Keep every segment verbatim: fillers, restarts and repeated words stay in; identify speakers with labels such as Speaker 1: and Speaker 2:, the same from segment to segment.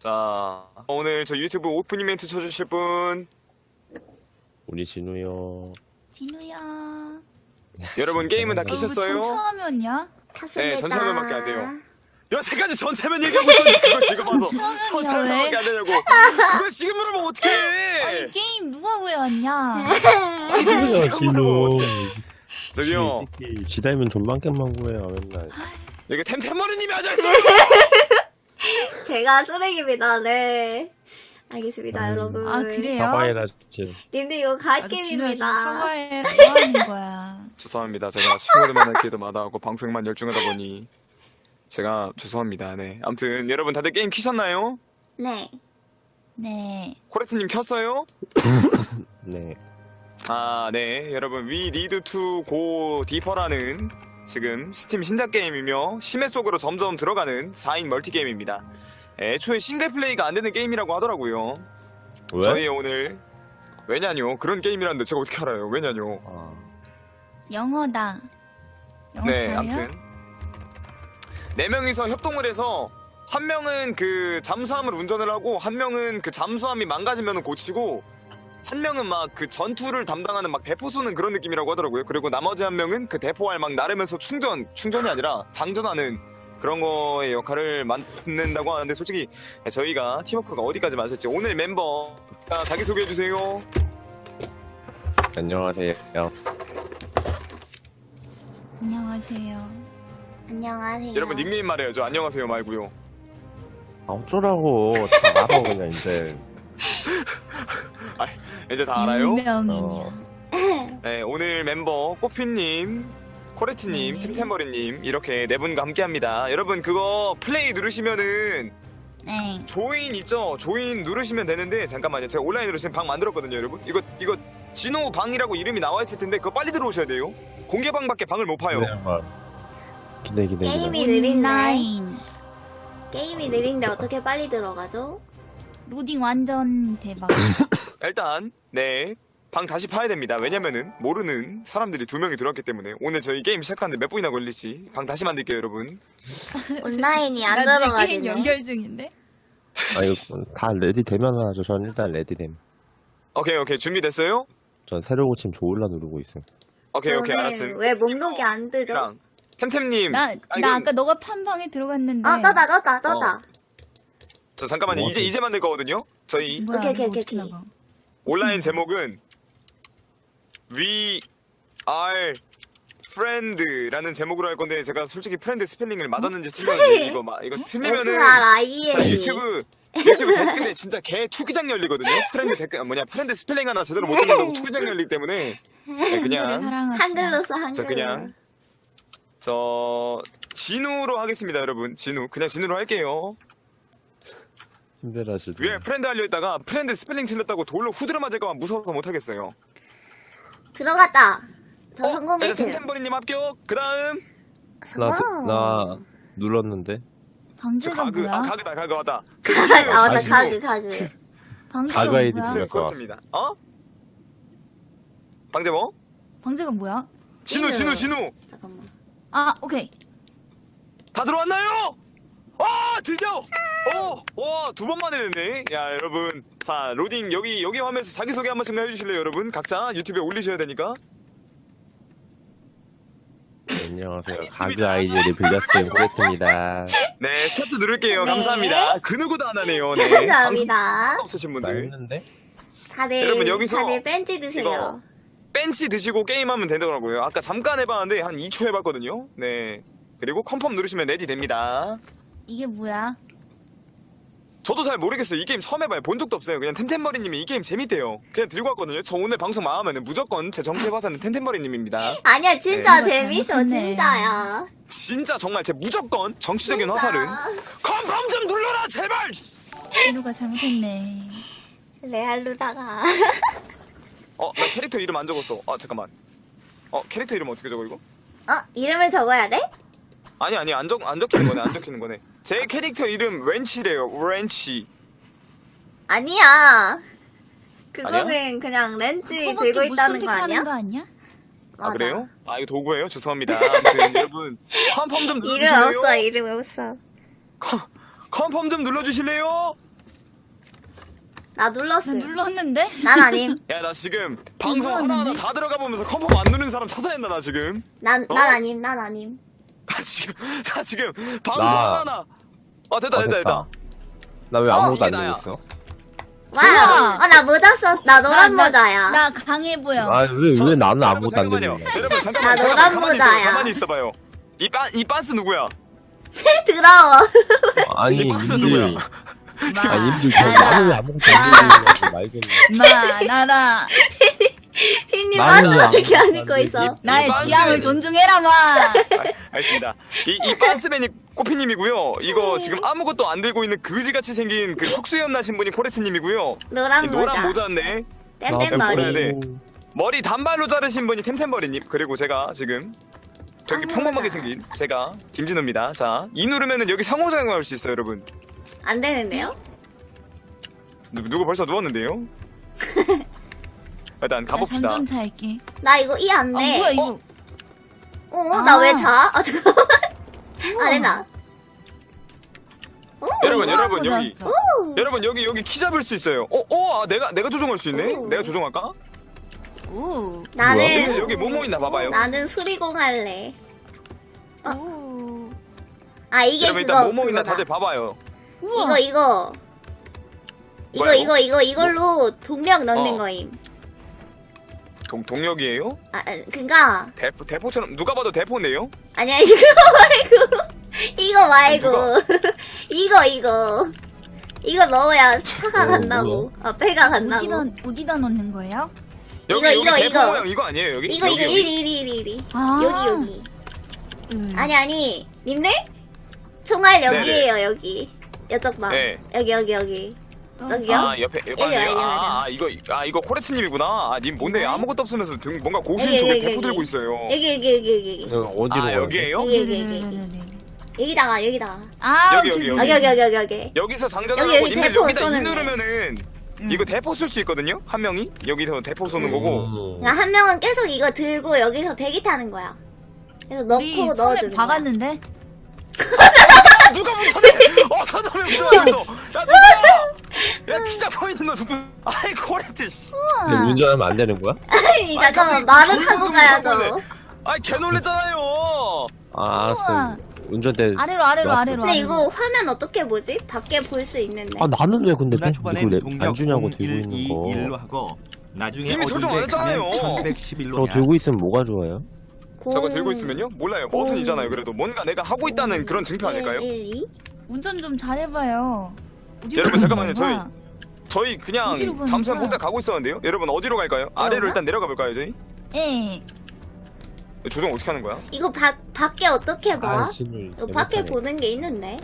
Speaker 1: 자, 오늘 저 유튜브 오프닝 멘트 쳐주실 분.
Speaker 2: 우리 진우요.
Speaker 3: 진우야.
Speaker 1: 여러분 게임은 다
Speaker 3: 너 왜
Speaker 1: 키셨어요?
Speaker 3: 전차화면이야?
Speaker 1: 네, 전차면밖에 안 돼요. 여태까지 전차면 얘기하고 있었는데 그걸 지금 와서
Speaker 3: 전차면이야,
Speaker 1: 전차면밖에 안 되냐고. 그걸 지금 물어보면 어떡해.
Speaker 3: 아니 게임 누가 구해왔냐?
Speaker 2: 진우야, 진우.
Speaker 1: 저기요.
Speaker 2: 지다이면 존망겜만 구해요, 맨날.
Speaker 1: 여기 템템머리님이 앉아있어요.
Speaker 4: 제가 쓰레기입니다. 네. 알겠습니다,
Speaker 2: 음.
Speaker 4: 여러분.
Speaker 3: 아 그래요?
Speaker 2: 사과해라, 진짜.
Speaker 4: 님들 이거
Speaker 3: 나도 진우야 좀
Speaker 4: 갓게임입니다.
Speaker 3: 사과해라. 뭐 하는 거야?
Speaker 1: 죄송합니다. 제가 친구들 만날 기회도 마다하고 방송에만 열중하다 보니 제가 죄송합니다. 네. 아무튼 여러분 다들 게임 키셨나요?
Speaker 4: 네.
Speaker 3: 네.
Speaker 1: 코레트님 켰어요?
Speaker 2: 네.
Speaker 1: 아, 네. 여러분, We Need to Go Deeper라는 지금 스팀 신작 게임이며 심해 속으로 점점 들어가는 사 인 멀티 게임입니다. 애초에 싱글 플레이가 안 되는 게임이라고 하더라고요.
Speaker 2: 왜?
Speaker 1: 저희 오늘 왜냐뇨? 그런 게임이라는데 제가 어떻게 알아요? 왜냐뇨?
Speaker 2: 아,
Speaker 3: 영어다. 영어
Speaker 1: 네,
Speaker 3: 잘해요?
Speaker 1: 아무튼 네 명이서 협동을 해서 한 명은 그 잠수함을 운전을 하고 한 명은 그 잠수함이 망가지면 고치고 한 명은 막 그 전투를 담당하는 막 대포 쏘는 그런 느낌이라고 하더라고요. 그리고 나머지 한 명은 그 대포알 막 나르면서 충전, 충전이 아니라 장전하는 그런 거의 역할을 맡는다고 하는데 솔직히 저희가 팀워크가 어디까지 맞을지 오늘 멤버 자, 자기소개해주세요.
Speaker 2: 안녕하세요.
Speaker 3: 안녕하세요.
Speaker 4: 안녕하세요.
Speaker 1: 여러분 닉네임 말해야죠. 안녕하세요 말고요.
Speaker 2: 아, 어쩌라고. 다 알아, 그냥, 이제.
Speaker 1: 아, 이제 다 알아요?
Speaker 3: 유명인이야.
Speaker 2: 어.
Speaker 1: 네, 오늘 멤버 꼬피님, 코레트님,
Speaker 3: 네.
Speaker 1: 템템버리님 이렇게 네 분과 함께합니다. 여러분 그거 플레이 누르시면은
Speaker 3: 네.
Speaker 1: 조인 있죠? 조인 누르시면 되는데 잠깐만요. 제가 온라인으로 지금 방 만들었거든요, 여러분. 이거 이거 진호 방이라고 이름이 나와 있을 텐데 그거 빨리 들어오셔야 돼요. 공개 방밖에 방을 못 파요.
Speaker 2: 기대, 한번. 기대, 기대, 기대.
Speaker 4: 게임이 느린데.
Speaker 3: 온라인.
Speaker 4: 게임이 느린데 어떻게 빨리 들어가죠?
Speaker 3: 로딩 완전 대박.
Speaker 1: 일단 네. 방 다시 파야 됩니다. 왜냐면은 모르는 사람들이 두 명이 들어왔기 때문에 오늘 저희 게임 시작하는데 몇 분이나 걸릴지 방 다시 만들게요, 여러분.
Speaker 4: 온라인이 안
Speaker 3: 나 지금
Speaker 4: 들어가지네.
Speaker 3: 게임 연결 중인데?
Speaker 2: 아, 이거 다 레디 되면 하죠. 전 일단 레디됨.
Speaker 1: 오케이 오케이 준비됐어요?
Speaker 2: 전 새로 고침 조울라 누르고 있어요.
Speaker 1: 오케이 오케이
Speaker 4: 저는
Speaker 1: 알았음.
Speaker 4: 왜 목록이 안 뜨죠?
Speaker 1: 그냥 템템님.
Speaker 3: 나,
Speaker 1: 아,
Speaker 3: 나
Speaker 1: 이건-
Speaker 3: 아까 너가 판 방에 들어갔는데.
Speaker 4: 아, 떠다, 떠다, 떠다.
Speaker 1: 저 잠깐만요.
Speaker 2: 뭐
Speaker 1: 이제
Speaker 2: 어떻게-
Speaker 1: 이제 만들 거거든요. 저희
Speaker 3: 뭐야,
Speaker 4: 오케이, 오케이,
Speaker 3: 이거
Speaker 4: 오케이,
Speaker 3: 어떻게
Speaker 4: 오케이.
Speaker 3: 나가?
Speaker 1: 온라인 제목은 We are friend라는 제목으로 할 건데 제가 솔직히 프렌드 스펠링을 맞았는지 틀렸는지 이거 막 이거 틀리면은
Speaker 4: 에스 알 아이
Speaker 1: 자,
Speaker 4: 엔 이.
Speaker 1: 유튜브 유튜브 댓글에 진짜 개 투기장 열리거든요. 프렌드 댓글 뭐냐 프렌드 스펠링 하나 제대로 못 읽는다고 투기장 열리기 때문에 네,
Speaker 3: 한글을
Speaker 1: 그냥
Speaker 3: 사랑하시나?
Speaker 4: 한글로 써, 한글로.
Speaker 1: 저 그냥 저 진우로 하겠습니다, 여러분. 진우 그냥 진우로 할게요.
Speaker 2: 힘들어하시죠.
Speaker 1: 위에 프렌드 하려 했다가 프렌드 스펠링 틀렸다고 돌로 후드려 맞을까봐 무서워서 못 하겠어요.
Speaker 4: 들어갔다. 저
Speaker 1: 어?
Speaker 4: 성공했어요.
Speaker 1: 템템버리님 합격. 그 다음
Speaker 2: 나,
Speaker 4: 성공.
Speaker 2: 나 눌렀는데.
Speaker 1: 저
Speaker 3: 방제가
Speaker 1: 가그
Speaker 3: 뭐야?
Speaker 1: 아 가그다 가그 왔다.
Speaker 4: 아, 나
Speaker 1: 진우.
Speaker 4: 가그, 가그.
Speaker 3: 방제가
Speaker 2: 가그 아이디
Speaker 3: 뭐야?
Speaker 2: 뭐야?
Speaker 1: 그렇습니다. 어? 방제 뭐?
Speaker 3: 방제가 뭐야?
Speaker 1: 진우 진우
Speaker 4: 진우.
Speaker 1: 진우
Speaker 4: 잠깐만.
Speaker 3: 아, 오케이.
Speaker 1: 다 들어왔나요? 아 드디어 어와두 번 만에 됐네. 야 여러분 자 로딩 여기 여기 화면에서 자기소개 한 번씩만 해주실래요, 여러분? 각자 유튜브에 올리셔야 되니까.
Speaker 2: 안녕하세요.
Speaker 1: 알겠습니다.
Speaker 2: 가그 아이디를 빌렸어요. 코레트입니다.
Speaker 1: 네 스타트 누를게요.
Speaker 4: 네.
Speaker 1: 감사합니다. 그 누구도 안 하네요. 네.
Speaker 4: 감사합니다.
Speaker 1: 방송 없으신
Speaker 2: 나
Speaker 1: 분들
Speaker 2: 했는데?
Speaker 4: 다들,
Speaker 1: 여러분, 여기서
Speaker 4: 다들 벤치 드세요.
Speaker 1: 이거 벤치 드시고 게임하면 되더라고요. 아까 잠깐 해봤는데 한 이 초 해봤거든요. 네. 그리고 컨펌 누르시면 레디 됩니다.
Speaker 3: 이게 뭐야?
Speaker 1: 저도 잘 모르겠어요. 이 게임 처음 해봐요. 본 적도 없어요. 그냥 템템머리님이 이 게임 재밌대요. 그냥 들고 왔거든요. 저 오늘 방송 망하면 무조건 제 정체 화사는 템템머리님입니다.
Speaker 4: 아니야, 진짜
Speaker 3: 네.
Speaker 4: 재밌어,
Speaker 3: 잘못했네.
Speaker 4: 진짜야.
Speaker 1: 진짜 정말 제 무조건 정치적인
Speaker 4: 진짜.
Speaker 1: 화살은 컨펌 좀 눌러라 제발.
Speaker 3: 진우가 잘못했네.
Speaker 4: 레알루다가.
Speaker 1: 어, 나 캐릭터 이름 안 적었어. 아 잠깐만. 어, 캐릭터 이름 어떻게 적어 이거?
Speaker 4: 어? 이름을 적어야 돼?
Speaker 1: 아니 아니 안 적 안 적히는 거네. 안 적히는 거네. 제 캐릭터 이름 렌치래요. 렌치.
Speaker 4: 아니야. 그거는 그냥 렌즈
Speaker 3: 그거밖에
Speaker 4: 들고
Speaker 3: 못
Speaker 4: 있다는 거
Speaker 3: 선택하는
Speaker 4: 아니야?
Speaker 3: 거 아니야?
Speaker 1: 아
Speaker 4: 맞아.
Speaker 1: 그래요? 아 이거 도구예요? 죄송합니다. 아무튼 여러분 컨펌 좀
Speaker 4: 이름
Speaker 1: 눌러주실래요?
Speaker 4: 없어, 이름 없어.
Speaker 1: 컨- 컨펌 좀 눌러주실래요?
Speaker 4: 나
Speaker 3: 나
Speaker 4: 눌렀음.
Speaker 3: 눌렀는데?
Speaker 4: 난 아님.
Speaker 1: 야 나 지금 방송
Speaker 3: 눌렀는데?
Speaker 1: 하나하나 다 들어가 보면서 컴펌 안 누르는 사람 찾아낸다 나 지금.
Speaker 4: 난,
Speaker 1: 어?
Speaker 4: 난 아님, 난 아님.
Speaker 1: 나 지금 나 지금 방송
Speaker 2: 나-
Speaker 1: 하나하나. 아 됐다
Speaker 2: 아,
Speaker 1: 됐다 됐다.
Speaker 2: 나 왜
Speaker 4: 어,
Speaker 2: 아무것도
Speaker 1: 이게
Speaker 2: 안
Speaker 1: 나야.
Speaker 2: 되고 있어?
Speaker 4: 와, 어, 나 모자 썼, 나 노란
Speaker 3: 나-
Speaker 4: 모자야.
Speaker 3: 나 강해 보여.
Speaker 2: 아, 왜,
Speaker 1: 저-
Speaker 2: 왜 나는
Speaker 1: 여러분,
Speaker 2: 아무것도 안
Speaker 1: 잠깐만요.
Speaker 2: 되는 거야?
Speaker 1: 여러분 잠깐만
Speaker 4: 나
Speaker 1: 잠깐만
Speaker 4: 노란
Speaker 1: 가만히 있어요.
Speaker 4: 모자야.
Speaker 1: 가만히 있어봐요. 이 빤 이 빤스 누구야?
Speaker 4: 더러워.
Speaker 2: 아니,
Speaker 1: 이게 무슨
Speaker 2: 님들.
Speaker 1: 누구야?
Speaker 3: 마,
Speaker 2: 아, 님들, 저 나는 왜 아무것도 안 되는 거야? 말겠네.
Speaker 3: 마, 나나.
Speaker 4: 휘님
Speaker 2: 나는
Speaker 4: 빠스
Speaker 2: 왜
Speaker 4: 어떻게 안
Speaker 2: 아무것도
Speaker 4: 입고
Speaker 2: 안
Speaker 4: 있어?
Speaker 3: 나의
Speaker 1: 빤스.
Speaker 3: 취향을 존중해라, 마.
Speaker 1: 아, 알겠습니다. 이, 이 빤스맨이 꼬피님이고요. 이거 지금 아무것도 안 들고 있는 그지같이 생긴 그 턱수염 나신 분이 코레트님이고요.
Speaker 4: 노란
Speaker 1: 이
Speaker 4: 모자.
Speaker 1: 노란 모자인데
Speaker 4: 땜땜
Speaker 1: 뭐라 해야
Speaker 4: 머리.
Speaker 1: 돼? 머리 단발로 자르신 분이 템템버리님. 그리고 제가 지금 저기
Speaker 4: 아무거나.
Speaker 1: 평범하게 생긴 제가 김진우입니다. 자, 이 누르면은 여기 상호작용할 수 있어요, 여러분.
Speaker 4: 안 되는데요?
Speaker 1: 누, 누구 벌써 누웠는데요? 일단 가봅시다.
Speaker 3: 좀 잘게.
Speaker 4: 나 이거 이 안
Speaker 3: 아,
Speaker 4: 돼.
Speaker 3: 뭐야, 이거.
Speaker 4: 어, 나 왜
Speaker 3: 아.
Speaker 4: 자? 아, 잠깐만. 안 해나. 오,
Speaker 1: 여러분,
Speaker 3: 이거
Speaker 1: 여러분,
Speaker 3: 하고
Speaker 1: 여기.
Speaker 3: 나왔어.
Speaker 1: 여러분 여기 여기 키 잡을 수 있어요. 어, 어, 아, 내가 내가 조종할 수 있네.
Speaker 4: 오.
Speaker 1: 내가 조종할까?
Speaker 3: 우.
Speaker 4: 나는,
Speaker 1: 여기 여기 뭐뭐 있나 봐봐요.
Speaker 4: 나는 수리공 할래. 어.
Speaker 3: 우.
Speaker 4: 아, 이게
Speaker 1: 여러분
Speaker 4: 그거.
Speaker 1: 일단 뭐뭐 있나
Speaker 4: 그거다.
Speaker 1: 다들 봐봐요.
Speaker 3: 우와.
Speaker 4: 이거, 이거. 이거,
Speaker 1: 뭐야,
Speaker 4: 이거, 이거, 이걸로 동력 넣는
Speaker 1: 어.
Speaker 4: 거임.
Speaker 1: 동 동력이에요?
Speaker 4: 아, 아, 그니까.
Speaker 1: 대포 대포처럼 누가 봐도 대포네요.
Speaker 4: 아니야, 이거 말고. 이거 말고.
Speaker 1: 누가?
Speaker 4: 이거, 이거. 이거 넣어야 차가
Speaker 2: 어,
Speaker 4: 간다고. 아, 배가 간다고.
Speaker 3: 어디다, 어디다 넣는 거예요?
Speaker 1: 여기
Speaker 4: 이거,
Speaker 1: 여기
Speaker 4: 이거,
Speaker 1: 대포
Speaker 4: 이거.
Speaker 1: 모양 이거 아니에요 여기?
Speaker 4: 이거,
Speaker 1: 여기,
Speaker 4: 이거,
Speaker 1: 여기.
Speaker 4: 이리, 이리, 이리, 이리.
Speaker 3: 아.
Speaker 4: 여기, 여기.
Speaker 3: 음.
Speaker 4: 아니, 아니. 님들? 총알 여기에요, 여기. 이쪽 봐.
Speaker 1: 네.
Speaker 4: 여기, 여기, 여기.
Speaker 3: 또.
Speaker 4: 저기요?
Speaker 1: 아 옆에 옆에
Speaker 4: 여기,
Speaker 1: 아니에요?
Speaker 4: 여기,
Speaker 1: 아, 아 이거 아 이거 코레츠님이구나. 아 님 뭔데
Speaker 4: 네.
Speaker 1: 아무것도 없으면서 등- 뭔가 고수인
Speaker 4: 여기,
Speaker 1: 쪽에
Speaker 4: 여기,
Speaker 1: 대포
Speaker 4: 여기.
Speaker 1: 들고 있어요.
Speaker 4: 여기, 여기, 여기, 여기.
Speaker 2: 여기 어디로
Speaker 1: 아
Speaker 2: 가야 돼?
Speaker 1: 여기에요?
Speaker 4: 여기, 여기, 여기.
Speaker 3: 네네네네네.
Speaker 4: 여기다가, 여기다가.
Speaker 3: 아,
Speaker 1: 여기,
Speaker 3: 오케이,
Speaker 1: 여기,
Speaker 4: 여기, 여기, 여기, 여기, 여기.
Speaker 1: 여기서 장전을
Speaker 4: 여기,
Speaker 1: 하고
Speaker 4: 여기
Speaker 1: 님들
Speaker 4: 대포
Speaker 1: 여기다 이
Speaker 4: 쏘는데.
Speaker 1: 누르면은
Speaker 3: 음.
Speaker 1: 이거 대포 쏠 수 있거든요. 한 명이 여기서 대포 쏘는 거고.
Speaker 2: 음.
Speaker 4: 그러니까 한 명은 계속 이거 들고 여기서 대기 타는 거야. 그래서
Speaker 3: 우리
Speaker 4: 넣고
Speaker 3: 손에
Speaker 4: 넣어주는 거야.
Speaker 3: 박았는데?
Speaker 1: 아, 누가 못하네? 어떤 놈이 못하겠어? 야 누구야? 야 기자 서 있는 거 누구? 아이 코레트 씨.
Speaker 2: 근데 운전하면 안 되는 거야?
Speaker 4: 아니, 잠깐만.
Speaker 1: 갑자기
Speaker 4: 말은
Speaker 1: 그런
Speaker 4: 하고
Speaker 1: 거
Speaker 4: 가야죠.
Speaker 1: 물어보네. 아이 개 놀랬잖아요.
Speaker 2: 아, 알았어.
Speaker 3: 우와.
Speaker 2: 운전대.
Speaker 3: 아래로, 아래로,
Speaker 2: 놨어.
Speaker 3: 아래로.
Speaker 4: 근데
Speaker 3: 아래로.
Speaker 4: 이거 화면 어떻게 보지? 밖에 볼 수 있는데.
Speaker 2: 아, 나는 왜 근데
Speaker 5: 누나
Speaker 2: 이거
Speaker 5: 초반엔
Speaker 2: 내-
Speaker 5: 동력
Speaker 2: 안 주냐고 들고
Speaker 5: 일,
Speaker 2: 있는
Speaker 5: 이,
Speaker 2: 거.
Speaker 5: 일로 하고 나중에
Speaker 1: 이미 설정 안
Speaker 5: 어딘데 가면
Speaker 1: 했잖아요.
Speaker 5: 천백십일로
Speaker 2: 저 들고 있으면 뭐가 좋아요?
Speaker 1: 저거 들고 있으면요? 몰라요.
Speaker 4: 공-
Speaker 1: 버튼이잖아요. 그래도 뭔가 내가 하고 있다는 그런 증표 아닐까요?
Speaker 4: 일, 일, 이?
Speaker 3: 운전 좀 잘해봐요. 어디로
Speaker 1: 여러분,
Speaker 3: 가는
Speaker 1: 잠깐만요. 저희
Speaker 3: 거야?
Speaker 1: 저희 그냥
Speaker 3: 어디로 가는
Speaker 1: 잠수함
Speaker 3: 거야?
Speaker 1: 혼자 가고 있었는데요. 여러분 어디로 갈까요? 아래로
Speaker 4: 그런가?
Speaker 1: 일단 내려가 볼까요, 저희?
Speaker 3: 예.
Speaker 1: 조정 어떻게 하는 거야?
Speaker 4: 이거 밖 밖에 어떻게 봐?
Speaker 2: 아씨를.
Speaker 4: 이거 밖에 보는 게 있는데.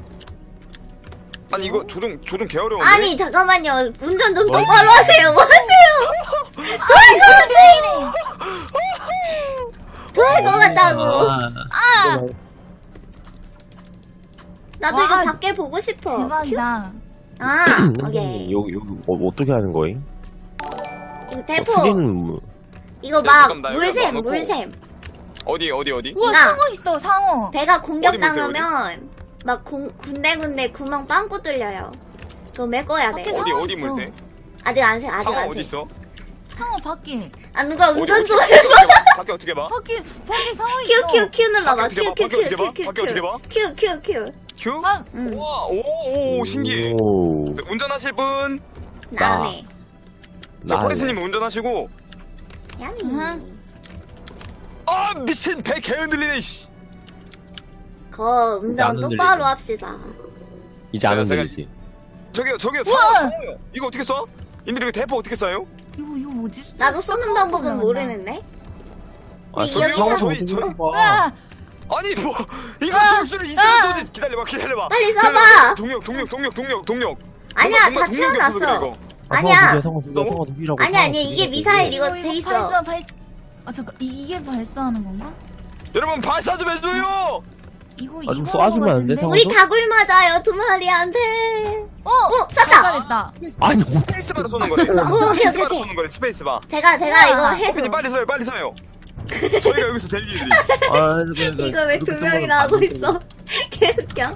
Speaker 1: 아니 이거 조정 조정 개 어려운데.
Speaker 4: 아니, 잠깐만요. 운전 좀
Speaker 2: 뭐?
Speaker 4: 똑바로 하세요. 뭐 하세요? 도와줘! 도와줄 것 같다고.
Speaker 3: 아!
Speaker 4: 나도
Speaker 3: 와,
Speaker 4: 이거 밖에 보고 싶어.
Speaker 3: 대박이다.
Speaker 4: 아,
Speaker 2: 음,
Speaker 4: 오케이.
Speaker 2: 여기, 여기, 어, 어떻게 하는 거임?
Speaker 4: 이거
Speaker 2: 어,
Speaker 4: 대포.
Speaker 2: 수리는 뭐,
Speaker 4: 이거
Speaker 1: 야,
Speaker 4: 막
Speaker 1: 잠깐, 나 여기
Speaker 4: 물샘,
Speaker 1: 놔놓고.
Speaker 4: 물샘.
Speaker 1: 어디 어디 어디?
Speaker 3: 우와,
Speaker 4: 나.
Speaker 3: 상어 있어, 상어.
Speaker 4: 배가
Speaker 1: 어디
Speaker 4: 공격당하면 막 군, 군데군데 구멍 빵꾸 뚫려요. 그거 메꿔야 돼.
Speaker 3: 밖에
Speaker 1: 어디
Speaker 3: 상어
Speaker 1: 어디
Speaker 3: 있어.
Speaker 1: 물새?
Speaker 4: 아직 안 새, 아직
Speaker 1: 상어
Speaker 4: 안
Speaker 1: 어디
Speaker 4: 새.
Speaker 1: 있어?
Speaker 3: 상어 밖에.
Speaker 4: 아, 누가
Speaker 1: 어디
Speaker 4: 운전
Speaker 1: 어떻게
Speaker 4: 좀
Speaker 1: 봐?
Speaker 4: 해.
Speaker 1: 밖에 어떻게 봐?
Speaker 3: 밖에, 밖에 상어
Speaker 4: 큐,
Speaker 3: 있어.
Speaker 4: 큐, 큐 눌러봐.
Speaker 1: 밖에 어떻게
Speaker 4: 큐,
Speaker 1: 봐?
Speaker 4: 큐,
Speaker 1: 밖에
Speaker 4: 큐,
Speaker 1: 어떻게 봐?
Speaker 4: 큐,
Speaker 1: 밖에 어떻게 봐?
Speaker 4: 큐, 큐, 큐.
Speaker 1: 큐?
Speaker 3: 아,
Speaker 4: 응.
Speaker 1: 와, 오, 오, 신기해.
Speaker 2: 오,
Speaker 1: 네, 운전하실 분?
Speaker 4: 나네.
Speaker 1: 저
Speaker 2: 나.
Speaker 1: 코레트님 운전하시고.
Speaker 4: 야미.
Speaker 3: 응.
Speaker 1: 아 미친 배 개 흔들리네 씨.
Speaker 4: 거 운전
Speaker 2: 나는
Speaker 4: 똑바로
Speaker 2: 들리네.
Speaker 4: 합시다.
Speaker 2: 이제 안
Speaker 1: 제가- 제가-
Speaker 2: 흔들리지.
Speaker 1: 저기요 저기요
Speaker 3: 우와!
Speaker 1: 상어 상어요. 이거 어떻게 써? 님들 이거 대포 어떻게 써요?
Speaker 3: 이거, 이거 뭐지?
Speaker 4: 나도
Speaker 3: 쏘-
Speaker 4: 쏘는
Speaker 3: 쏘-
Speaker 4: 방법은
Speaker 3: 쏘-
Speaker 4: 모르는데.
Speaker 2: 아,
Speaker 4: 이-
Speaker 2: 저기
Speaker 4: 여기서-
Speaker 2: 상어
Speaker 1: 저희-
Speaker 2: 어떻게
Speaker 1: 저희-
Speaker 2: 봐.
Speaker 3: 아!
Speaker 1: 아니 뭐 이거
Speaker 3: 아!
Speaker 1: 쏠 수는 있으면
Speaker 3: 아!
Speaker 1: 쏘지. 기다려봐 기다려봐.
Speaker 4: 빨리
Speaker 1: 기다려봐.
Speaker 4: 쏴봐.
Speaker 1: 동력 동력 동력 동력 동력.
Speaker 4: 아니야,
Speaker 1: 뭔가-
Speaker 4: 다
Speaker 1: 뭔가 동력이 없어서 그래,
Speaker 4: 채워놨어.
Speaker 1: 이거.
Speaker 2: 아,
Speaker 4: 아니야.
Speaker 2: 상어 두개, 상어 두 개,
Speaker 1: 너무-
Speaker 2: 상어 두 개라고.
Speaker 4: 아니,
Speaker 2: 상어
Speaker 4: 아니,
Speaker 2: 두
Speaker 4: 이게
Speaker 2: 개라고.
Speaker 4: 미사일 이거
Speaker 3: 이거,
Speaker 4: 돼
Speaker 3: 이거
Speaker 4: 있어.
Speaker 3: 발사, 발... 아, 잠깐. 이- 이게 발사하는 건가?
Speaker 1: 여러분 발사 좀 해줘요.
Speaker 3: 이거,
Speaker 2: 아, 좀
Speaker 3: 이거.
Speaker 2: 쏴주면 안 돼, 상어?
Speaker 4: 우리 다굴 맞아요, 두 마리한테.
Speaker 3: 어!
Speaker 4: 어, 쐈다.
Speaker 3: 발사됐다.
Speaker 2: 아니, 뭐,
Speaker 1: 스페이스바로 쏘는 거래.
Speaker 4: 오케이,
Speaker 1: 스페이스바로
Speaker 4: 오케이.
Speaker 1: 쏘는 거래. 스페이스바.
Speaker 4: 제가, 제가
Speaker 3: 우와.
Speaker 4: 이거
Speaker 1: 커피님
Speaker 4: 해줘.
Speaker 1: 빨리 서요 빨리 서요. 저희가 여기서 대기 드림.
Speaker 2: 아, 네, 네.
Speaker 4: 이거 왜 두
Speaker 2: 그렇게
Speaker 4: 명이나 하고
Speaker 2: 쓰면
Speaker 4: 있어? 개웃겨.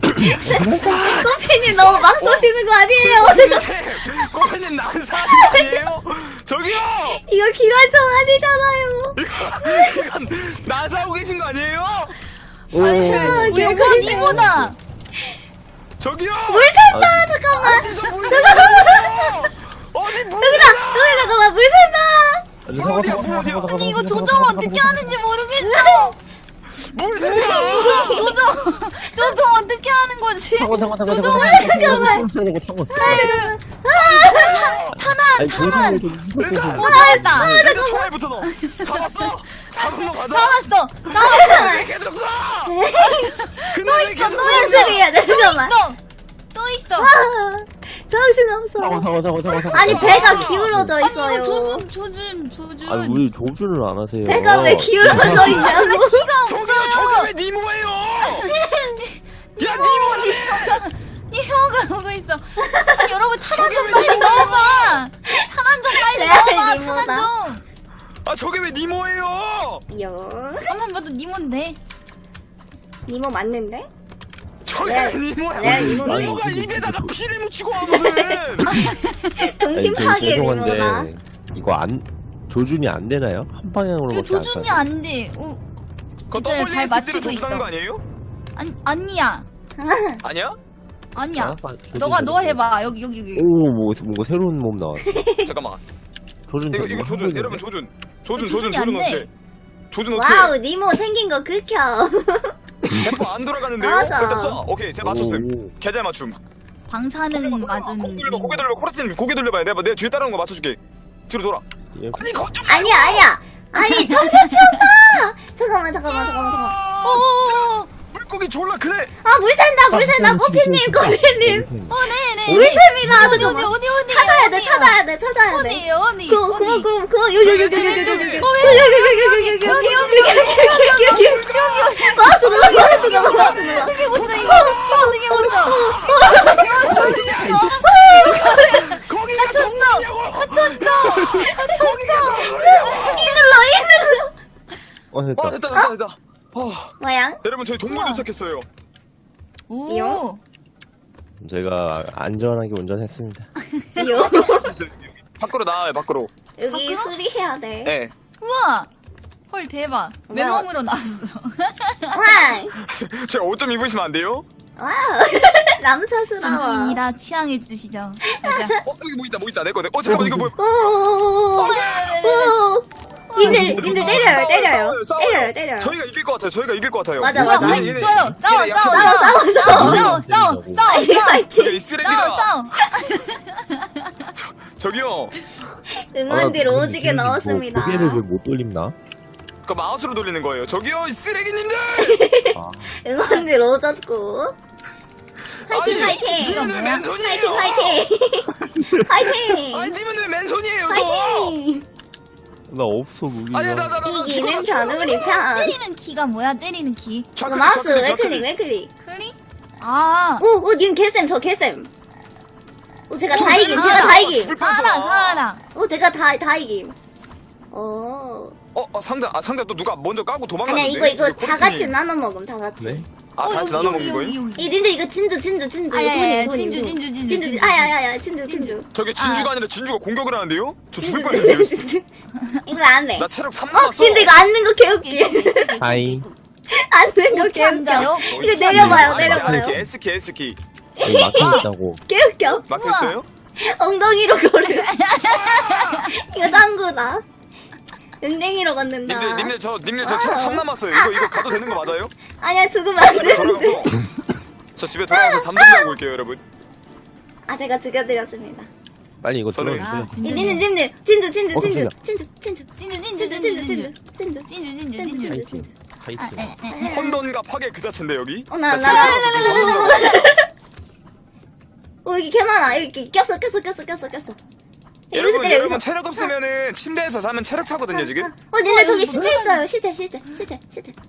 Speaker 4: 커피님 너무 막 쏘시는 거 아니에요?
Speaker 1: 꼬피님 난사 하는 거 아니에요? 저기요!
Speaker 4: 이거 기관총 아니잖아요.
Speaker 1: 이건 나사하고 계신 거 아니에요?
Speaker 2: 오,
Speaker 3: 우리 오빠 니보다.
Speaker 1: 저기요!
Speaker 4: 물 샌다!
Speaker 2: 아,
Speaker 4: 잠깐만.
Speaker 1: 어디서 물 샌다고요? 어디 물
Speaker 4: 여기다! 여기 잠깐만, 물 샌다!
Speaker 2: 아니, 사과,
Speaker 1: 어디야,
Speaker 2: 사과, 사과,
Speaker 1: 어디야?
Speaker 2: 사과, 사과,
Speaker 3: 아니 이거
Speaker 2: 사과,
Speaker 3: 조정
Speaker 2: 사과,
Speaker 3: 어떻게
Speaker 2: 사과,
Speaker 3: 하는지 모르겠어.
Speaker 1: 물 샌다!
Speaker 3: 조정 조정 어떻게 하는 거지?
Speaker 2: 사과, 사과, 사과,
Speaker 3: 조정
Speaker 2: 사과,
Speaker 3: 잠깐만.
Speaker 2: 사과, 사과, 사과.
Speaker 3: 탄환
Speaker 2: 아니,
Speaker 3: 탄환.
Speaker 2: 조심해, 조심해.
Speaker 3: 오 잘했다.
Speaker 1: 일단 총알부터 넣어. 잡았어? 잡은 거 맞아?
Speaker 3: 잡았어. 잡았어.
Speaker 1: 왜 계속 쏴? 근데
Speaker 3: 또
Speaker 1: 왜
Speaker 3: 있어,
Speaker 1: 계속
Speaker 3: 또
Speaker 1: 쏴?
Speaker 3: 있어.
Speaker 4: 소리야, 내
Speaker 3: 또
Speaker 4: 잠깐만.
Speaker 3: 있어. 또 있어.
Speaker 4: 아, 정신없어.
Speaker 2: 사과, 사과, 사과, 사과, 사과.
Speaker 4: 아니, 배가 기울어져
Speaker 3: 아니
Speaker 4: 있어요.
Speaker 3: 이거 조준 조준 조준.
Speaker 2: 아니, 왜 조준을 안 하세요?
Speaker 4: 배가 왜 기울어져 있냐고.
Speaker 3: 키가
Speaker 1: 저기요, 저기 왜 니모예요? 야, 니모네!
Speaker 3: 이 혀가 오고 있어. 아니, 여러분 탄환 좀 빨리 넣어봐. 탄환 좀 빨리
Speaker 4: 네,
Speaker 3: 넣어봐.
Speaker 4: 니모다.
Speaker 3: 탄환 좀.
Speaker 1: 아, 저게 왜 니모예요?
Speaker 4: 영.
Speaker 3: 한번 봐도 니몬데.
Speaker 4: 니모 맞는데?
Speaker 1: 저게
Speaker 4: 네.
Speaker 1: 왜 니모야?
Speaker 4: 네, 니모네.
Speaker 1: 니모가 입에다가 피를 묻히고 와, 무슨.
Speaker 4: 동심
Speaker 2: 아니,
Speaker 4: 파괴
Speaker 2: 저
Speaker 4: 니모다.
Speaker 2: 죄송한데 이거 안 조준이 안 되나요? 한 방향으로
Speaker 3: 이거 조준이 안 돼. 오,
Speaker 1: 그거
Speaker 3: 진짜 잘
Speaker 1: 더블유에스디로
Speaker 3: 맞추고
Speaker 1: 조준하는
Speaker 3: 있어.
Speaker 1: 거 아니에요?
Speaker 3: 아니 아니야.
Speaker 1: 아니야?
Speaker 3: 아니야. 너가 너 해봐. 여기 여기 여기.
Speaker 2: 오, 뭐 뭔가 새로운 몸 나왔어.
Speaker 1: 잠깐만.
Speaker 2: 조준
Speaker 1: 이거,
Speaker 2: 좀
Speaker 1: 이거
Speaker 2: 하고
Speaker 1: 조준,
Speaker 2: 있는데?
Speaker 1: 여러분 조준. 조준,
Speaker 3: 이거
Speaker 1: 조준,
Speaker 3: 조준이 안
Speaker 1: 조준
Speaker 3: 돼.
Speaker 1: 어떻게? 조준 어떻게?
Speaker 4: 와우, 니모 생긴 거 극혐.
Speaker 1: 대포 안 돌아가는데요?
Speaker 4: 맞아.
Speaker 1: 일단 쏴. 오케이, 제가 맞췄음.
Speaker 2: 오,
Speaker 1: 개잘 맞춤.
Speaker 3: 방사능 맞은.
Speaker 1: 고개 돌려, 고개 돌려, 코라스님 고개 돌려봐요. 내가 내가 뒤에 따라오는 거 맞춰줄게. 뒤로 돌아.
Speaker 2: 예.
Speaker 1: 아니 거좀
Speaker 4: 아니야, 아니야. 아니, 정신 치웠다! 잠깐만, 잠깐만, 잠깐만, 잠깐만.
Speaker 3: 오.
Speaker 1: 물고기 졸라 크네.
Speaker 4: 아, 물 샌다, 물 샌다, 꼬피님, 꼬피님.
Speaker 3: 어 네네.
Speaker 4: 물 셉니다,
Speaker 3: 어디 어디
Speaker 4: 잠깐만.
Speaker 3: 어디 어디.
Speaker 4: 찾아야 돼,
Speaker 3: 어디요?
Speaker 4: 찾아야 돼, 찾아야 돼.
Speaker 3: 어디에요 어디?
Speaker 4: 그거, 그거,
Speaker 3: 어디?
Speaker 4: 그거, 그거, 여기, 여기, 여기,
Speaker 1: 저기
Speaker 4: 여기, 여기,
Speaker 1: 왼쪽에.
Speaker 4: 여기,
Speaker 3: 어,
Speaker 4: 여기, 여기, 여기, 여기, 여기, 여기, 여기, 여기, 여기, 여기, 여기. 마우스 눌러, 마우스 눌러, 마우스 눌러.
Speaker 3: 어떻게 먼저 이거 어떻게 먼저?
Speaker 1: 거기가
Speaker 3: 갇혔어. 갇혔어.
Speaker 4: 이 눌러, 이 눌러.
Speaker 2: 어, 됐다.
Speaker 1: 아 됐다 됐다 됐다. 아,
Speaker 4: 뭐야?
Speaker 1: 여러분 저희 동물
Speaker 3: 우와.
Speaker 1: 도착했어요.
Speaker 3: 오.
Speaker 2: 제가 안전하게 운전했습니다.
Speaker 4: 요.
Speaker 1: 밖으로 나와요 밖으로.
Speaker 4: 여기
Speaker 3: 밖으로?
Speaker 4: 수리해야 돼.
Speaker 1: 예.
Speaker 3: 우와. 헐 대박.
Speaker 4: 뭐야?
Speaker 3: 맨몸으로 나왔어.
Speaker 4: 와,
Speaker 1: 제가 옷 좀 입으시면 안 돼요?
Speaker 4: 와. 남사스러워.
Speaker 3: 존중입니다. 취향해 주시죠. 가자.
Speaker 1: 어 여기 뭐 있다 뭐 있다 내 거네. 어 잠깐만 이거 뭐?
Speaker 4: 오오오오오. 오. 님들, 님들 때려요, 때려요.
Speaker 1: 싸워요, 싸워요.
Speaker 4: 때려요, 때려요.
Speaker 1: 저희가 이길 것 같아요. 저희가 이길 것 같아요.
Speaker 4: 맞아,
Speaker 3: 우와,
Speaker 4: 맞아.
Speaker 3: 아니, 좋아요. 싸워,
Speaker 1: 얘네
Speaker 3: 싸워,
Speaker 1: 약간
Speaker 3: 싸워,
Speaker 1: 좀-
Speaker 3: 싸워, 싸워, 싸워, 싸워,
Speaker 4: 파이팅,
Speaker 3: 싸워,
Speaker 4: 파이팅.
Speaker 1: 이 쓰레기다.
Speaker 3: 싸워, 싸워.
Speaker 1: 저기요.
Speaker 4: 응원들
Speaker 2: 아,
Speaker 4: 오지게
Speaker 2: 뭐
Speaker 4: 넣었습니다.
Speaker 2: 고개를 왜 못 돌립나?
Speaker 1: 그 마우스로 돌리는 거예요. 저기요 이 쓰레기님들.
Speaker 2: 아,
Speaker 4: 응원들 오졌고. 파이팅,
Speaker 1: 아니,
Speaker 4: 파이팅.
Speaker 1: 님은 왜 맨손이에요?
Speaker 4: 파이팅, 파이팅. 파이팅.
Speaker 1: 아니 님은 왜 맨손이에요 또?
Speaker 4: 파이팅.
Speaker 2: 나 없어 무기가.
Speaker 1: 아니 나나 나 나
Speaker 4: 이기는 변우리 편.
Speaker 3: 때리는 키가 뭐야? 때리는 키.
Speaker 4: 이거 마우스 웨클릭, 웨클릭.
Speaker 3: 클릭? 아.
Speaker 4: 오, 오, 님 개쌤, 저 개쌤. 오, 제가
Speaker 3: 어,
Speaker 4: 다 이김,
Speaker 3: 아,
Speaker 4: 제가 다 이김.
Speaker 3: 사라, 사라.
Speaker 4: 오, 제가 다, 다 이김. 오.
Speaker 1: 어, 어 상자 아 상자 또 누가 먼저 까고 도망갔는데?
Speaker 4: 아니야, 이거, 이거
Speaker 1: 우리
Speaker 4: 다
Speaker 1: 코르트님.
Speaker 4: 같이 나눠 먹음, 다 같이.
Speaker 2: 네?
Speaker 1: 아, 다 같이 나눠 먹는 거예요?
Speaker 3: 여기, 여기.
Speaker 4: 이 님들 이거 진주, 진주, 진주.
Speaker 3: 아, 야, 야, 야,
Speaker 4: 돈이, 돈이,
Speaker 3: 진주,
Speaker 4: 돈이.
Speaker 3: 진주, 진주,
Speaker 4: 진주,
Speaker 3: 진주.
Speaker 4: 아야야야, 진주, 진주.
Speaker 1: 저게 진주가
Speaker 3: 아.
Speaker 1: 아. 니라 진주가 공격을 하는데요? 저
Speaker 4: 진주,
Speaker 1: 죽을 뻔했네요.
Speaker 4: 진주. 이거 안 돼.
Speaker 1: 나 체력 삼
Speaker 4: 어,
Speaker 1: 남았어.
Speaker 4: 근데 이거 앉는 거 개웃기.
Speaker 2: 하이.
Speaker 4: 앉는 거
Speaker 3: 어떻게
Speaker 4: 개웃겨.
Speaker 3: 앉아요?
Speaker 4: 이거 내려봐요,
Speaker 1: 아니,
Speaker 4: 내려봐요.
Speaker 1: 아니, S키 S키
Speaker 2: 여기 막혀 있다고.
Speaker 4: 개웃겨.
Speaker 1: 막혀
Speaker 3: 우와.
Speaker 1: 있어요?
Speaker 4: 엉덩이로 걸을. 이거 당구다. 엉덩이로 걷는다.
Speaker 1: 님들 님들 저 님들 저
Speaker 4: 아.
Speaker 1: 체력 삼 남았어요. 이거 이거 가도 되는 거 맞아요?
Speaker 4: 아니야, 죽으면 안
Speaker 1: 집에
Speaker 4: 되는데.
Speaker 1: 돌아가고 저 집에 돌아가서 잠 좀 자고 올게요, 여러분.
Speaker 4: 아, 제가 죽여드렸습니다.
Speaker 2: 빨리 이거
Speaker 1: 저는-
Speaker 2: 들어주세요.
Speaker 3: 아,
Speaker 4: 이 님들, 님들. 진주, 진주,
Speaker 2: 어,
Speaker 4: 진주.
Speaker 2: 깜짝이야.
Speaker 4: 진주, 진주.
Speaker 3: 진주, 진주,
Speaker 4: 진주,
Speaker 3: 진주,
Speaker 4: 진주,
Speaker 3: 진주.
Speaker 4: 진주. 진주.
Speaker 3: 진주, 진주,
Speaker 4: 진주,
Speaker 3: 진주.
Speaker 2: 파이팅.
Speaker 3: 아,
Speaker 2: 파이팅.
Speaker 3: 에, 에, 에.
Speaker 1: 혼돈과 파괴 그 자체인데 여기.
Speaker 4: 어, 나, 나,
Speaker 1: 진짜
Speaker 4: 나,
Speaker 1: 혼돈과
Speaker 4: 어, 여기 개 많아. 여기 꼈어, 꼈어, 꼈어, 꼈어, 꼈어. 여기서
Speaker 1: 여러분
Speaker 4: 때려,
Speaker 1: 여러분
Speaker 4: 여기서.
Speaker 1: 체력 없으면은 침대에서 자면 체력 차거든요 지금.
Speaker 4: 어, 님들
Speaker 3: 어,
Speaker 4: 저기
Speaker 3: 이거
Speaker 4: 시체
Speaker 3: 뭐야?
Speaker 4: 있어요. 시체, 시체, 시체, 시체.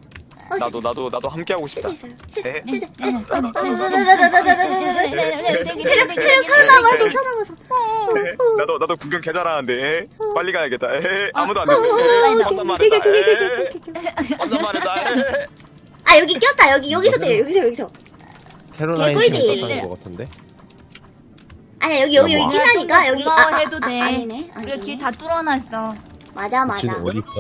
Speaker 4: 어,
Speaker 1: 나도 나도 나도 함께 하고 싶다.
Speaker 4: 진짜 있어요.
Speaker 1: 에?
Speaker 4: 진짜.
Speaker 3: 네, 네,
Speaker 4: 어,
Speaker 3: 네,
Speaker 4: 어,
Speaker 3: 네,
Speaker 4: 어,
Speaker 3: 네,
Speaker 4: 어, 어, 어, 어, 어, 어,
Speaker 3: 네, 네, 네, 네, 네,
Speaker 4: 체력,
Speaker 3: 네,
Speaker 4: 체력
Speaker 3: 네,
Speaker 4: 살아남아서,
Speaker 3: 네,
Speaker 4: 살아남아서.
Speaker 1: 에? 나도 나도 구경 개 잘하는데. 에? 빨리 가야겠다. 에? 아무도 안
Speaker 3: 어,
Speaker 1: 되네.
Speaker 3: 어,
Speaker 1: 혼자 말했다. 에? 혼자 말했다. 에?
Speaker 4: 아, 여기 꼈다. 여기, 여기서 때려. 여기서, 여기서.
Speaker 2: 캐롤라인
Speaker 4: 개꿀디.
Speaker 2: 잘못하는 것 같은데?
Speaker 4: 아니야, 여기, 여기, 여기
Speaker 2: 뭐.
Speaker 4: 끼나니까, 여기.
Speaker 3: 고마워
Speaker 4: 아, 아,
Speaker 3: 해도
Speaker 4: 아,
Speaker 3: 돼.
Speaker 4: 아니네.
Speaker 3: 우리가
Speaker 4: 아니네.
Speaker 3: 길 다 뚫어놨어.
Speaker 4: 맞아, 맞아.
Speaker 2: 지금 어디 있어?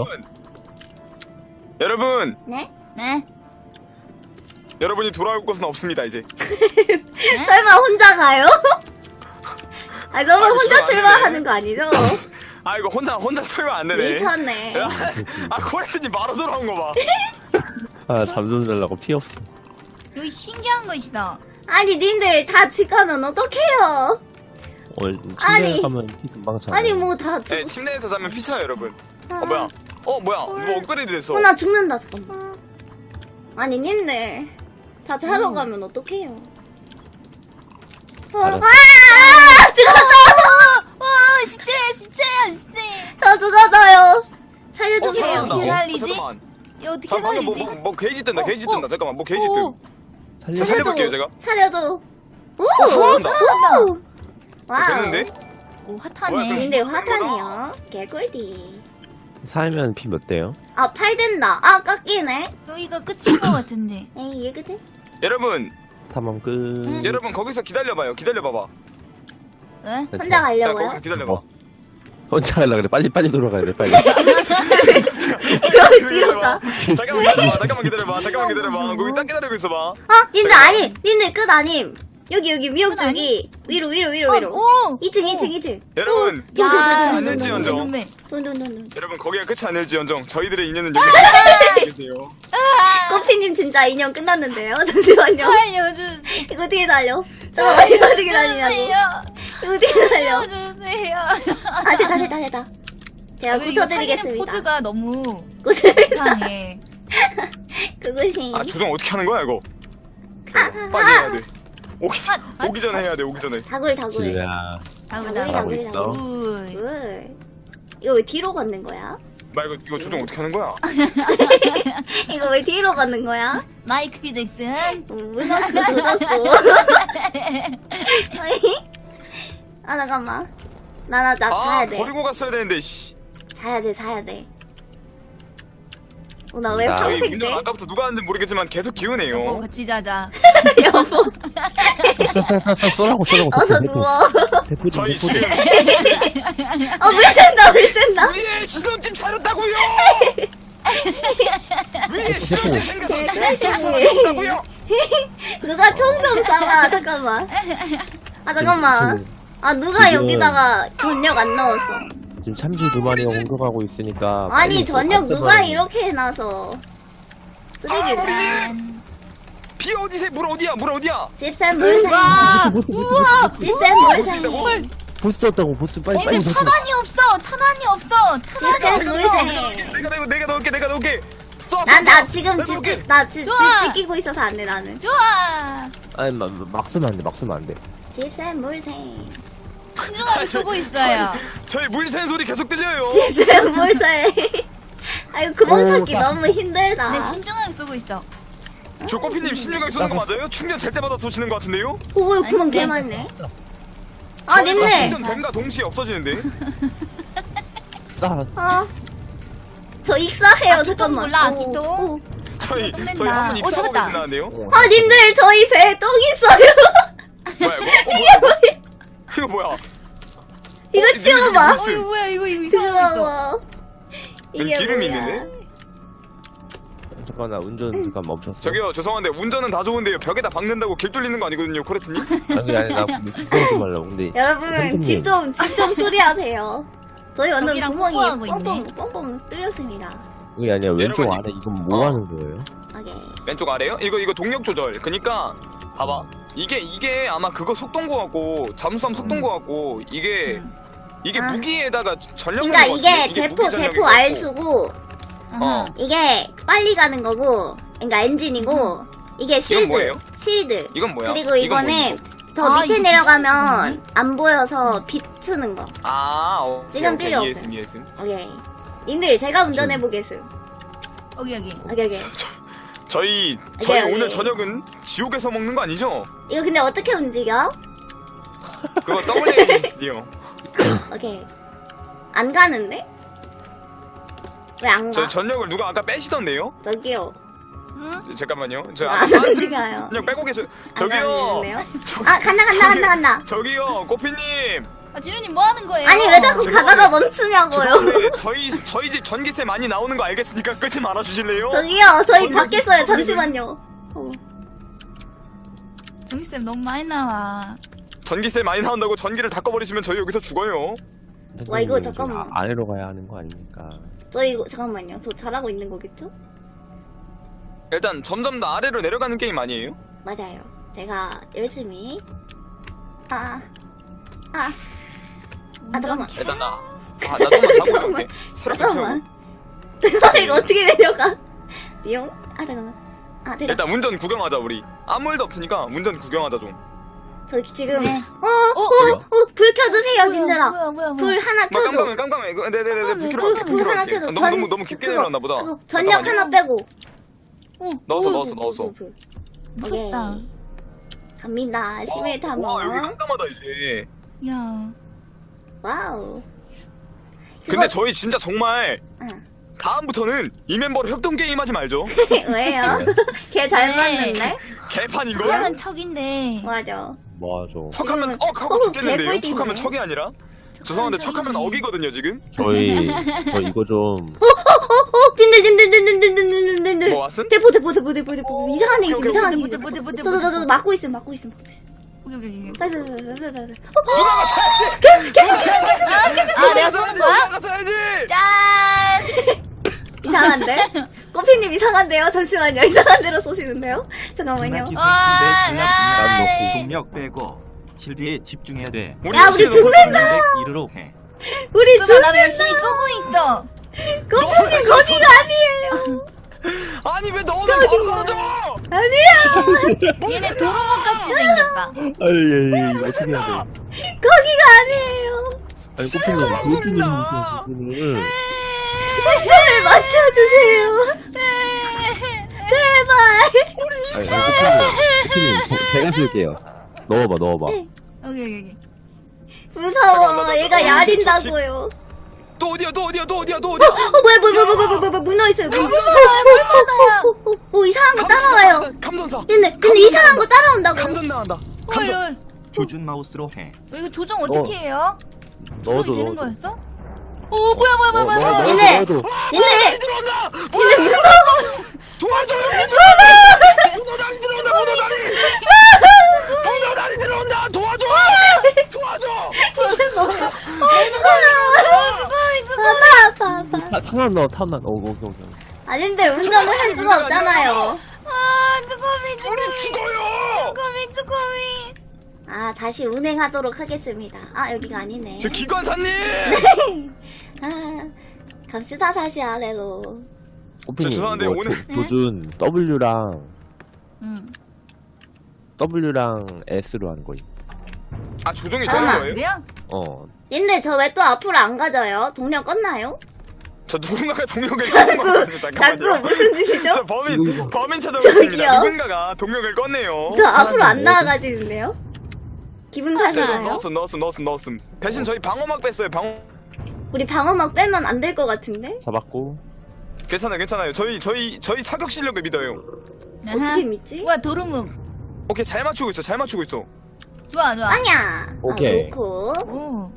Speaker 1: 여러분,
Speaker 4: 네?
Speaker 3: 네?
Speaker 1: 여러분이 돌아올 곳은 없습니다 이제.
Speaker 4: 설마 혼자 가요? 아, 설마
Speaker 1: 아,
Speaker 4: 혼자
Speaker 1: 이거 안
Speaker 4: 출발하는
Speaker 1: 되네.
Speaker 4: 거 아니죠?
Speaker 1: 아 이거 혼자 혼자 설명 안 되네.
Speaker 4: 미쳤네.
Speaker 1: 아 코레트님 바로 돌아온 거 봐.
Speaker 2: 아, 잠 좀 자려고 피 없어.
Speaker 3: 여기 신기한 거 있어.
Speaker 4: 아니, 님들 다 집 가면 어떡해요?
Speaker 2: 어,
Speaker 4: 아니.
Speaker 2: 침대에 가면 피 금방 차.
Speaker 4: 아니, 뭐 다
Speaker 1: 네,
Speaker 4: 죽...
Speaker 1: 침대에서 자면 피차요 여러분.
Speaker 4: 아.
Speaker 1: 어 뭐야? 어 뭐야? 뭐 업그레이드 됐어.
Speaker 4: 어, 나 죽는다, 잠깐만. 아니, 님들. 다 자러
Speaker 3: 음.
Speaker 4: 가면 어떡해요? 어,
Speaker 2: 알았어.
Speaker 4: 아! 죽었다!
Speaker 3: 와, 진짜야, 진짜야, 진짜.
Speaker 4: 저 죽었어요.
Speaker 1: 어
Speaker 4: 살려주세요.
Speaker 1: 살아난다.
Speaker 3: 어떻게
Speaker 1: 어,
Speaker 3: 살리지?
Speaker 1: 잠깐만.
Speaker 3: 이거 어떻게
Speaker 1: 자, 방금 뭐,
Speaker 3: 살리지?
Speaker 1: 뭐, 뭐 게이지 뜬다.
Speaker 3: 어,
Speaker 1: 게이지
Speaker 3: 어.
Speaker 1: 뜬다. 잠깐만. 뭐 게이지
Speaker 3: 오,
Speaker 1: 뜬.
Speaker 2: 살려.
Speaker 1: 자, 살려볼게요 제가.
Speaker 4: 살려줘. 오!
Speaker 1: 살아난다.
Speaker 4: 오! 와우.
Speaker 1: 어, 됐는데?
Speaker 3: 오,
Speaker 1: 뭐야,
Speaker 3: 핫하네.
Speaker 1: 좀-
Speaker 4: 근데 화탄이요. 개꿀디.
Speaker 2: 살면 피 몇 대요?
Speaker 4: 아, 팔 된다. 아, 깎이네.
Speaker 3: 여기가 끝인 거 같은데.
Speaker 4: 에이, 얘 그지?
Speaker 1: 여러분,
Speaker 2: 탐험 끝.
Speaker 3: 응.
Speaker 1: 여러분 거기서 기다려봐요. 기다려봐봐.
Speaker 3: 왜?
Speaker 4: 혼자
Speaker 1: 자,
Speaker 4: 가려고요?
Speaker 1: 거기 기다려봐.
Speaker 2: 어. 혼자 가려 그래. 빨리 빨리 돌아가야 돼. 빨리.
Speaker 4: 뒤로 가.
Speaker 1: 잠깐만 기다려봐. 잠깐만 기다려봐. 잠깐만 기다려봐. 거기 딱 기다리고 있어봐.
Speaker 4: 어, 님들 아니, 님들 끝 아님. 여기 여기 미역
Speaker 3: 끝 아니?
Speaker 4: 쪽이 위로 위로 위로 위로.
Speaker 3: 오!
Speaker 4: 이 층 이 층 이 층.
Speaker 1: 여러분,
Speaker 3: 야,
Speaker 1: 끝이
Speaker 3: 눈매,
Speaker 1: 아닐지언정.
Speaker 3: 눈매.
Speaker 4: 돈돈돈.
Speaker 1: 여러분 거기가 끝이 아닐지언정. 저희들의 인연은 여기서 계세요.
Speaker 4: 커피님 진짜 인연 끝났는데요. 잠시만요.
Speaker 3: 살려주세요.
Speaker 4: 이거 어떻게 달려? 잠깐만 이거 어떻게 달리냐고. 이거 어떻게 달려?
Speaker 3: 살려주세요.
Speaker 4: 아 됐다 됐다 됐다. 제가
Speaker 3: 아, 이거 살리는
Speaker 4: 고쳐드리겠습니다.
Speaker 3: 포즈가 너무
Speaker 4: 고쳐
Speaker 3: 이상해.
Speaker 4: 그것이.
Speaker 1: 아 조정 어떻게 하는 거야 이거? 빨리 해야 돼. 오기,
Speaker 3: 아, 아,
Speaker 1: 오기 전에 해야 돼. 오기 전에.
Speaker 4: 다굴 다굴.
Speaker 2: 지우야.
Speaker 3: 가보자.
Speaker 4: 다굴
Speaker 2: 하고
Speaker 4: 다굴
Speaker 2: 있어.
Speaker 4: 다굴.
Speaker 3: 굿.
Speaker 4: 굴. 이거 왜 뒤로 걷는 거야?
Speaker 1: 나 이거 이거 조정 어떻게 하는 거야?
Speaker 4: 이거 왜 뒤로 걷는 거야?
Speaker 3: 마이클 잭슨.
Speaker 4: 무섭고 무섭고. 아 잠깐만. 나나 나
Speaker 1: 아
Speaker 4: 자야 돼.
Speaker 1: 버리고 갔어야 되는데. 씨.
Speaker 4: 자야 돼 자야 돼. 어, 나 왜
Speaker 2: 나-
Speaker 1: 저희
Speaker 4: 평생
Speaker 1: 문전
Speaker 4: 돼?
Speaker 1: 아까부터 누가 하는지 모르겠지만 계속
Speaker 3: 뭐
Speaker 1: 기우네요.
Speaker 3: 같이 자자.
Speaker 4: 여보.
Speaker 2: 쏴쏴쏴 쏘라고 쏘라고.
Speaker 4: 어서
Speaker 2: 대포,
Speaker 4: 누워.
Speaker 2: 대포,
Speaker 1: 저희
Speaker 2: 대포,
Speaker 1: 지금
Speaker 4: 어, 물 샌다, 물 샌다.
Speaker 1: 위에 신혼집 차렸다고요. 위에 신혼집 생겨서 차렸다고요.
Speaker 4: 누가 총 좀 쏴봐, 잠깐만. 아, 잠깐만. 아, 누가
Speaker 2: 지금-
Speaker 4: 여기다가 전력 안 넣었어.
Speaker 2: 지금 참치 두 마리가 공격하고 있으니까.
Speaker 4: 아니,
Speaker 2: 빨리
Speaker 4: 전력
Speaker 2: 좀
Speaker 4: 누가
Speaker 2: 없애버리는-
Speaker 4: 이렇게 해놔서.
Speaker 1: 아,
Speaker 4: 쓰레기를.
Speaker 1: 우리 집!
Speaker 3: 짠.
Speaker 1: 비 어디세? 물 어디야? 물 어디야?
Speaker 4: 집샘 물샘.
Speaker 3: 와,
Speaker 2: 보스, 보스,
Speaker 3: 우와.
Speaker 4: 집샘 물샘.
Speaker 2: 보스 떴다고 보스 빨리 빨리
Speaker 3: 근데
Speaker 2: 보스.
Speaker 3: 탄환이 없어. 탄환이 없어. 탄환이
Speaker 4: 집샘
Speaker 3: 없어.
Speaker 4: 물샘.
Speaker 1: 내가 내가 내가 넣을게. 내가 넣을게. 쏴, 쏴,
Speaker 4: 난, 나
Speaker 1: 쏴.
Speaker 4: 지금
Speaker 1: 내가
Speaker 4: 집,
Speaker 1: 넣을게.
Speaker 4: 나 집, 집
Speaker 3: 좋아.
Speaker 4: 지키고 있어서 안 돼, 나는.
Speaker 3: 좋아.
Speaker 2: 아니 막, 막 쏘면 안 돼. 막 쏘면 안 돼.
Speaker 4: 집샘 물샘.
Speaker 3: 신중하게 쓰고 있어요.
Speaker 1: 저희 물 새는 소리 계속 들려요.
Speaker 4: 집샘 물샘. 아유, 구멍
Speaker 2: 오,
Speaker 4: 찾기
Speaker 2: 자.
Speaker 4: 너무 힘들다.
Speaker 3: 근데 신중하게 쓰고 있어.
Speaker 1: 조코피님 신유각 쏘는 거 맞아요? 충전 될 때마다 쏘시는 거 같은데요?
Speaker 4: 오, 구멍
Speaker 3: 아닌데.
Speaker 4: 개 많네. 아,
Speaker 1: 저희가
Speaker 4: 님네.
Speaker 1: 충전 됨과 동시에 없어지는데.
Speaker 2: 쏴.
Speaker 4: 어. 저 익사해요,
Speaker 3: 아, 기통
Speaker 4: 잠깐만.
Speaker 3: 몰라,
Speaker 4: 오,
Speaker 3: 기통.
Speaker 4: 오.
Speaker 1: 저희
Speaker 3: 끝낸다.
Speaker 1: 저희 한 번
Speaker 3: 오,
Speaker 1: 입사하고
Speaker 3: 잡았다.
Speaker 1: 계신다는데요?
Speaker 4: 아, 님들, 저희 배에 똥 있어요.
Speaker 1: 뭐야 이거? 어, 뭐야 이거? 이거 뭐야?
Speaker 4: 이거
Speaker 1: 어,
Speaker 4: 치워봐.
Speaker 1: 님들
Speaker 3: 어, 이거 뭐야, 이거, 이거 이상한 거 있어.
Speaker 4: 고마워.
Speaker 1: 여기 기름이 있는데?
Speaker 2: 잠깐 나 운전 잠깐 멈췄어.
Speaker 1: 저기요 죄송한데 운전은 다 좋은데요 벽에다 박는다고 길 뚫리는 거 아니거든요 코레트님?
Speaker 2: 아니 아니 나 운전 좀 하려고. 근데
Speaker 4: 여러분,
Speaker 2: 선생님.
Speaker 4: 집 좀, 집 좀 수리하세요. 저희 완전
Speaker 3: 여기랑
Speaker 4: 구멍이
Speaker 3: 뽀뽀하고
Speaker 4: 뻥뻥,
Speaker 3: 있네.
Speaker 4: 뻥뻥 뚫렸습니다.
Speaker 2: 그게 아니야 왼쪽
Speaker 1: 여러분,
Speaker 2: 아래 이건 뭐
Speaker 1: 어.
Speaker 2: 하는 거예요?
Speaker 4: 오케이.
Speaker 1: 왼쪽 아래요? 이거 이거 동력 조절 그니까 봐봐 이게 이게 아마 그거 속도인 거 같고 잠수함 속도인 거 같고 이게 이게
Speaker 4: 아.
Speaker 1: 무기에다가 전력
Speaker 4: 그러니까
Speaker 1: 넣는 거
Speaker 4: 이게
Speaker 1: 같은데?
Speaker 4: 대포,
Speaker 1: 무기 전력인
Speaker 4: 대포
Speaker 1: 거 같고.
Speaker 4: 알수고,
Speaker 1: 어.
Speaker 4: 이게 빨리 가는 거고, 그러니까 엔진이고, 이게 실드.
Speaker 1: 뭐예요?
Speaker 4: 실드.
Speaker 1: 이건 뭐야?
Speaker 4: 그리고
Speaker 1: 이건
Speaker 4: 이거는
Speaker 1: 뭐지?
Speaker 4: 더
Speaker 3: 아,
Speaker 4: 밑에
Speaker 3: 이거
Speaker 4: 내려가면
Speaker 3: 비추는
Speaker 4: 안 보여서 비추는 거.
Speaker 1: 아 어,
Speaker 4: 지금
Speaker 1: 오케이,
Speaker 4: 필요
Speaker 1: 오케이,
Speaker 4: 없어요.
Speaker 1: 이해했음 이해했음
Speaker 4: 오케이. 님들, 제가 운전해보겠음.
Speaker 3: 여기, 여기.
Speaker 4: 오케이, 오케이.
Speaker 1: 저희 저희
Speaker 4: 네,
Speaker 1: 오늘
Speaker 4: 네.
Speaker 1: 저녁은 지옥에서 먹는 거 아니죠?
Speaker 4: 이거 근데 어떻게 움직여?
Speaker 1: 그거 더블유에이치디요.
Speaker 4: 오케이. 안 가는데? 왜 안 가?
Speaker 1: 저 전력을 누가 아까 빼시던데요?
Speaker 4: 저기요.
Speaker 3: 응?
Speaker 1: 잠깐만요. 저
Speaker 4: 안
Speaker 1: 아까
Speaker 4: 움직여요.
Speaker 1: 전력 빼고 계셔.
Speaker 4: 안
Speaker 1: 저기요.
Speaker 4: 가는데요?
Speaker 1: 저기-
Speaker 4: 아, 간다, 간다,
Speaker 1: 저기-
Speaker 4: 간다, 간다.
Speaker 1: 저기요, 꼬피님.
Speaker 3: 아 지루님 뭐 하는 거예요?
Speaker 4: 아니, 왜 자꾸
Speaker 1: 죄송한데-
Speaker 4: 가다가 멈추냐고요?
Speaker 1: 죄송한데 저희 저희 집 전기세 많이 나오는 거 알겠으니까 끄지 말아 주실래요?
Speaker 4: 저기요, 저희
Speaker 1: 전기-
Speaker 4: 밖에 있어요. 잠시만요. 어.
Speaker 3: 정기쌤 너무 많이 나와.
Speaker 1: 전기세 많이 나온다고 전기를 다 꺼버리시면 저희 여기서 죽어요.
Speaker 4: 와, 이거
Speaker 2: 선생님,
Speaker 4: 잠깐만.
Speaker 2: 아- 아래로 가야 하는 거 아닙니까?
Speaker 4: 저 이거, 잠깐만요. 저 잘하고 있는 거겠죠?
Speaker 1: 일단 점점 더 아래로 내려가는 게임 아니에요?
Speaker 4: 맞아요. 제가 열심히. 아, 아, 아, 잠깐만.
Speaker 1: 일단 나, 아, 나 좀만 자고
Speaker 4: 잠깐만.
Speaker 1: 올게. 새롭게 채우고.
Speaker 4: 잠깐만. 잠깐만, 이거 어떻게 내려가? 띠용? 아, 잠깐만. 아, 내가.
Speaker 1: 일단 운전 구경하자 우리. 아무 일도 없으니까 운전 구경하자 좀.
Speaker 4: 저 지금.
Speaker 3: 네.
Speaker 4: 어, 어, 어, 어, 불 켜주세요,
Speaker 3: 뭐야,
Speaker 4: 님들아.
Speaker 3: 뭐야 뭐야
Speaker 4: 불
Speaker 3: 뭐야.
Speaker 4: 하나
Speaker 1: 뭐
Speaker 4: 켜줘.
Speaker 1: 깜깜해 깜깜해. 이거 네네네네
Speaker 3: 깜깜해,
Speaker 1: 불 켜러
Speaker 4: 불,
Speaker 1: 갈게.
Speaker 4: 불
Speaker 1: 불
Speaker 4: 하나
Speaker 1: 켜러 갈게.
Speaker 4: 켜줘.
Speaker 1: 너무 너무 너무 깊게
Speaker 4: 그거,
Speaker 1: 내려왔나 보다.
Speaker 4: 그거 전력
Speaker 1: 잠깐만요.
Speaker 4: 하나 빼고.
Speaker 3: 어,
Speaker 1: 넣었어
Speaker 3: 오,
Speaker 1: 넣었어 넣었어.
Speaker 4: 불, 불, 불.
Speaker 3: 무섭다.
Speaker 4: 오케이. 갑니다. 시메이트
Speaker 1: 와 여기
Speaker 4: 한번.
Speaker 1: 깜깜하다 이제.
Speaker 3: 야.
Speaker 4: 와우.
Speaker 1: 근데
Speaker 4: 그거-
Speaker 1: 저희 진짜 정말
Speaker 4: 응.
Speaker 1: 다음부터는 이 멤버로 협동 게임 하지 말죠.
Speaker 4: 왜요? 걔 잘
Speaker 3: 네.
Speaker 4: 맞는데?
Speaker 1: 개판 이거.
Speaker 3: 그러면 척인데.
Speaker 4: 맞아.
Speaker 2: 뭐하죠?
Speaker 1: 척하면
Speaker 4: 지금은-
Speaker 1: 억 하고
Speaker 4: 어,
Speaker 1: 죽겠는데요.
Speaker 4: 개꿀띠네.
Speaker 1: 척하면 척이 아니라. 죄송한데 척하면 억이거든요 지금.
Speaker 2: 저희 저 이거 좀
Speaker 4: 어, 딘들, 딘들, 딘들, 딘들, 딘들, 딘들.
Speaker 1: 뭐 왔음?
Speaker 4: 대포, 대포, 대포, 대포, 대포. 이상한 애 있음,
Speaker 1: 오케이,
Speaker 4: 이상한 애
Speaker 3: 뭐대
Speaker 4: 있음.
Speaker 3: 뭐대 뭐대
Speaker 4: 저, 저, 저, 저, 막고 있음, 막고 있음, 막고 있음.
Speaker 3: 오케이 오케이 오케이.
Speaker 4: 빨리, 빨리, 빨리, 빨리, 빨리.
Speaker 1: 누나가 사야지.
Speaker 3: 아 내가 쏘는 거야?
Speaker 1: 누나가 사야지.
Speaker 3: 짠.
Speaker 4: 이상한데? 꼬피님 이상한데요? 잠시만요. 이상한 데로 쏘시는데요? 잠깐만요.
Speaker 5: 기술
Speaker 3: 와,
Speaker 5: 중대
Speaker 3: 와.
Speaker 5: 중략 공력 빼고 실드에 집중해야 돼.
Speaker 1: 우리
Speaker 4: 야, 우리
Speaker 1: 열심히
Speaker 4: 죽는다!
Speaker 5: 이르로 해.
Speaker 4: 우리
Speaker 3: 그만
Speaker 4: 주,
Speaker 3: 나도 열심히 쏘고 있어.
Speaker 4: 꼬피님 거기가 아니에요.
Speaker 1: 아니 왜 너는 바로 떨어져?
Speaker 4: 아니야.
Speaker 3: 얘네 도로목 같이 생겼다.
Speaker 2: 아니 예, 예, 말씀해야 돼.
Speaker 4: 거기가 아니에요.
Speaker 2: 아니 꼬피님 보여주고
Speaker 1: 들린다.
Speaker 2: 있는
Speaker 4: 제발 맞춰주세요. 제발.
Speaker 2: 아니 아니 꼬피님 꼬피님 저- 제가 쓸게요. 넣어봐 넣어봐.
Speaker 3: 오케이 오케이 오케이.
Speaker 1: 잠깐만,
Speaker 4: 무서워.
Speaker 1: 나-
Speaker 4: 얘가
Speaker 1: 나-
Speaker 4: 야린다고요.
Speaker 1: 또 어디야 또 어디야 또 어디야 또 어디야?
Speaker 4: 어, 뭐야, 뭐야, 뭐야, 뭐야, 뭐야, 뭐야, 문어 있어요. 문어.
Speaker 3: 얼마나야?
Speaker 4: 어, 어, 어, 이상한 거 따라와요.
Speaker 1: 감전사.
Speaker 4: 근데, 근데 이상한 거 따라온다고.
Speaker 1: 감전 나간다.
Speaker 3: 헐 헐.
Speaker 5: 조준 마우스로 해.
Speaker 3: 어, 이거 조정 어떻게 해요?
Speaker 2: 넣어줘
Speaker 3: 조정이 되는
Speaker 2: 넣어줘.
Speaker 3: 거였어? 오 뭐야 뭐야 뭐야 뭐야. 뭐야.
Speaker 4: 얘네.
Speaker 2: 넣어줘.
Speaker 4: 근데,
Speaker 1: 들어온다.
Speaker 4: 근데 문어.
Speaker 1: 도와줘. 문어 다리 들어온다. 문어 다리. 문어 다리 들어온다. 도와줘. 도와줘.
Speaker 4: 아파, 아파, 아파.
Speaker 2: 타- 탄환 넣어 탄환. 오 오케이 오케이.
Speaker 4: 아닌데, 운전을 할 수가 없잖아요.
Speaker 3: 아 쭈꾸미
Speaker 1: 우리
Speaker 3: 쭈꾸미
Speaker 1: 죽어요.
Speaker 3: 쭈꾸미 쭈꾸미.
Speaker 4: 아, 다시 운행하도록 하겠습니다. 아, 여기가 아니네.
Speaker 1: 저 기관사님.
Speaker 4: 아, 갑시다, 다시 아래로.
Speaker 2: 꼬피님
Speaker 1: 죄송한데,
Speaker 2: 이거
Speaker 1: 오늘-
Speaker 2: 조, 조준 W랑
Speaker 3: 응.
Speaker 2: W랑 S로 하는 거임.
Speaker 1: 아 조종이
Speaker 3: 아
Speaker 1: 되는 거예요?
Speaker 3: 그래요?
Speaker 2: 어.
Speaker 4: 님들, 저 왜 또 앞으로 안 가져요? 동력 껐나요?
Speaker 1: 저 누군가가 동력을 꺼낸 것 같은데
Speaker 4: 자꾸
Speaker 1: 잠깐만요.
Speaker 4: 무슨 짓이죠?
Speaker 1: 저 범인
Speaker 2: 이거.
Speaker 1: 범인 찾아오겠습니다.
Speaker 4: 저기요.
Speaker 1: 누군가가 동력을 꺼내요.
Speaker 4: 저 앞으로 안
Speaker 2: 뭐지?
Speaker 4: 나와가지는데요? 기분
Speaker 1: 네,
Speaker 4: 탓인가요?
Speaker 1: 넣었음 넣었음 넣었음 넣었음. 대신 저희 방어막 뺐어요. 방어.
Speaker 4: 우리 방어막 빼면 안 될 것 같은데?
Speaker 2: 잡았고.
Speaker 1: 괜찮아요 괜찮아요. 저희 저희 저희 사격 실력을 믿어요.
Speaker 4: 어떻게 믿지?
Speaker 3: 뭐야 도루묵.
Speaker 1: 오케이 잘 맞추고 있어 잘 맞추고 있어.
Speaker 3: 좋아 좋아.
Speaker 4: 아니야.
Speaker 2: 오케이.
Speaker 4: 아, 좋고.
Speaker 3: 오.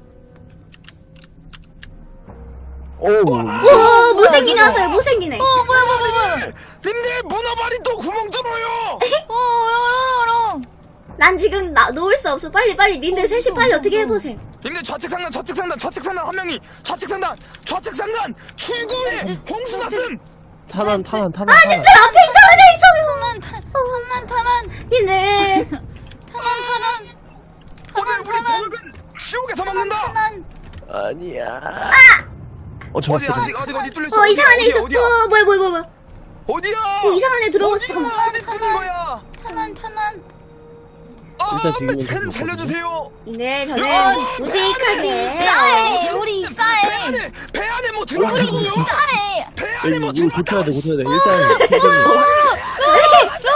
Speaker 2: 오.
Speaker 4: 오, 못생기게
Speaker 3: 이거?
Speaker 4: 하세요. 못생기네.
Speaker 3: 어 뭐야 뭐야 뭐야 뭐야.
Speaker 1: 님들 문어발이 또 구멍 뚫어요.
Speaker 3: 오 열어 열어.
Speaker 4: 난 지금 나, 놓을 수 없어. 빨리, 빨리. 님들
Speaker 3: 어,
Speaker 4: 셋이
Speaker 3: 무서워,
Speaker 4: 빨리 어떻게
Speaker 3: 무서워.
Speaker 4: 해보세요.
Speaker 1: 님들 좌측 상단 좌측 상단 좌측 상단 한 명이 좌측 상단 좌측 상단 출구에 홍수 났음.
Speaker 2: 탄환 탄환 탄환.
Speaker 4: 아, 님들 앞에 이상한 애 있어.
Speaker 3: 탄난 탄 탄난 탄난
Speaker 4: 님들.
Speaker 3: 탄난 탄난
Speaker 1: 오늘 우리 동력은 지옥에서 먹는다.
Speaker 3: 탄난.
Speaker 2: 아니야. 어
Speaker 1: 어디
Speaker 2: 잡았어.
Speaker 1: 어디 어디 어디 뚫렸어?
Speaker 4: 어, 이상한 애
Speaker 1: 어디야,
Speaker 4: 있어.
Speaker 1: 어디야
Speaker 4: 어, 뭐야, 뭐야, 뭐야, 뭐야.
Speaker 1: 어디야?
Speaker 4: 어, 이상한 애 들어갔어.
Speaker 1: 어디야?
Speaker 4: 잠깐만.
Speaker 1: 어디 뚫린 거야?
Speaker 3: 탄난 탄난.
Speaker 1: 아,
Speaker 2: 일단 지금은
Speaker 1: 살-
Speaker 2: 좀
Speaker 1: 살려주세요.
Speaker 4: 네,
Speaker 1: 야,
Speaker 4: 저는
Speaker 1: 야,
Speaker 4: 우직하게.
Speaker 3: 싸해 우리
Speaker 1: 배
Speaker 3: 싸해.
Speaker 1: 안에 배 안에 뭐 들어왔다고요?
Speaker 3: 싸해.
Speaker 1: 배
Speaker 2: 야,
Speaker 1: 안에
Speaker 2: 이거
Speaker 1: 뭐
Speaker 2: 이거 고쳐야 돼
Speaker 1: 들어왔다고?
Speaker 2: 고쳐야 돼. 일단 최근에